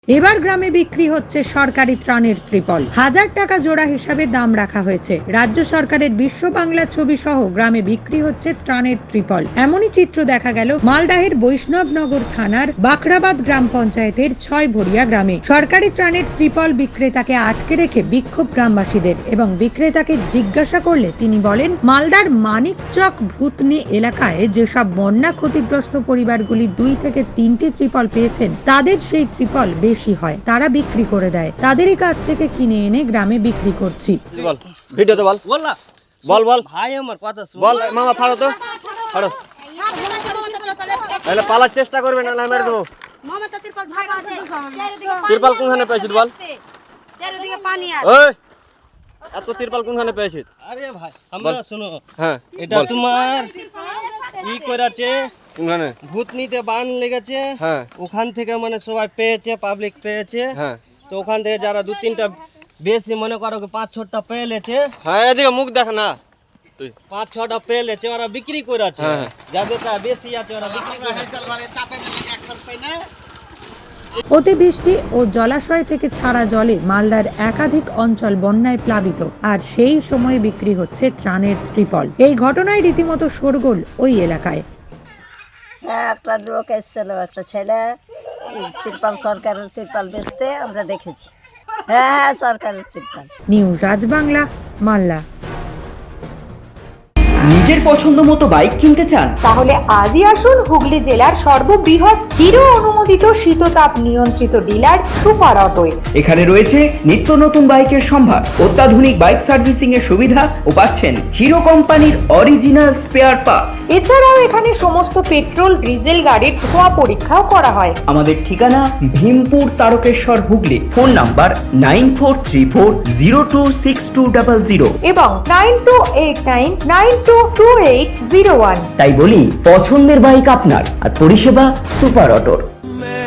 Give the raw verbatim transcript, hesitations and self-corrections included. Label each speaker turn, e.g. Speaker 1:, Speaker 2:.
Speaker 1: এবার গ্রামে বিক্রি হচ্ছে সরকারি ত্রাণের ত্রিপল। হাজার টাকা জোড়া হিসাবে দাম রাখা হয়েছে। রাজ্য সরকারের বিশ্ব বাংলা ছবি সহ গ্রামে বিক্রি হচ্ছে ত্রাণের ত্রিপল। এমনই চিত্র দেখা গেল মালদাহের বৈষ্ণবনগর থানার বাখরাবাদ গ্রাম পঞ্চায়েতের ছয় ভরিয়া গ্রামে। সরকারি ত্রাণের ত্রিপল বিক্রেতাকে আটকে রেখে বিক্ষোভ গ্রামবাসীদের, এবং বিক্রেতাকে জিজ্ঞাসা করলে তিনি বলেন, মালদার মানিকচক ভূতনি এলাকায় যেসব বন্যা ক্ষতিগ্রস্ত পরিবারগুলি দুই থেকে তিনটি ত্রিপল পেয়েছেন, তাদের সেই ত্রিপল বেশি হয়, তারা বিক্রি করে দেয়। তাদেরই কাছ থেকে কিনে এনে গ্রামে বিক্রি করছি।
Speaker 2: বল ভিডিওতে বল বল না বল বল ভাই আমার কথা শুন বল মামা ফাড়ো তো ফাড়ো তাহলে পালার চেষ্টা করবে না মেরে দেবো। মামা তো তিরপাল ছাড়া আছে তিরপাল কোনখানে পেয়েছিস বল চারিদিকে পানি আছে। ওই এত তিরপাল কোনখানে পেয়েছিস?
Speaker 3: আরে ভাই আমরা শুনো,
Speaker 2: হ্যাঁ
Speaker 3: এটা তোমার কি করেছে
Speaker 2: কোনখানে
Speaker 3: ভূতনিতে বান লেগেছে,
Speaker 2: হ্যাঁ
Speaker 3: ওখান থেকে মানে সবাই পেয়েছে, পাবলিক পেয়েছে,
Speaker 2: হ্যাঁ
Speaker 3: তো ওখান থেকে যারা দু তিনটা বেশি মনে করো পাঁচ ছটা পেয়ে লেছে,
Speaker 2: হ্যাঁ এদিকে মুখ দেখ না তুই,
Speaker 3: পাঁচ ছটা পেয়ে লেছে, ওরা বিক্রি করেছে।
Speaker 2: হ্যাঁ।
Speaker 3: যাদেরটা বেশি আছে ওরা বিক্রি করেছে।
Speaker 1: অতিবৃষ্টি ও জলাশয় থেকে ছাড়া জলে মালদার একাধিক অঞ্চল বন্যায় প্লাবিত, আর সেই সময় বিক্রি হচ্ছে ত্রাণের ত্রিপল। এই ঘটনায় রীতিমতো শোরগোল ওই এলাকায়।
Speaker 4: হ্যাঁ, একটা লোক এসেছিল, একটা ছেলে তিরপাল, সরকারের তিরপাল বেচতে আমরা দেখেছি। হ্যাঁ হ্যাঁ সরকারের তিরপাল।
Speaker 1: নিউজ রাজবাংলা, মালদা।
Speaker 5: নিজের পছন্দ মতো বাইক কিনতে চান?
Speaker 6: তাহলে আজই আসুন হুগলি জেলার সর্ববৃহৎ হিরো অনুমোদিত শীততাপ নিয়ন্ত্রিত ডিলার সুপার অটোয়।
Speaker 5: এখানে রয়েছে নিত্য নতুন বাইকের সম্ভার, অত্যাধুনিক বাইক সার্ভিসিং এর সুবিধা ও পাচ্ছেন হিরো কোম্পানির অরিজিনাল স্পেয়ার পার্টস।
Speaker 6: এছাড়াও এখানে সমস্ত পেট্রোল ডিজেল গাড়ির ধোঁয়া পরীক্ষাও করা হয়।
Speaker 5: আমাদের ঠিকানা Bhimpur Tarakeswar Hooghly. Phone number nine four three four zero two six two double zero
Speaker 6: এবং nine two eight nine nine two two eight zero one.
Speaker 5: তাই বলি, পছন্দের বাইক আপনার আর পরিষেবা সুপার অটোর।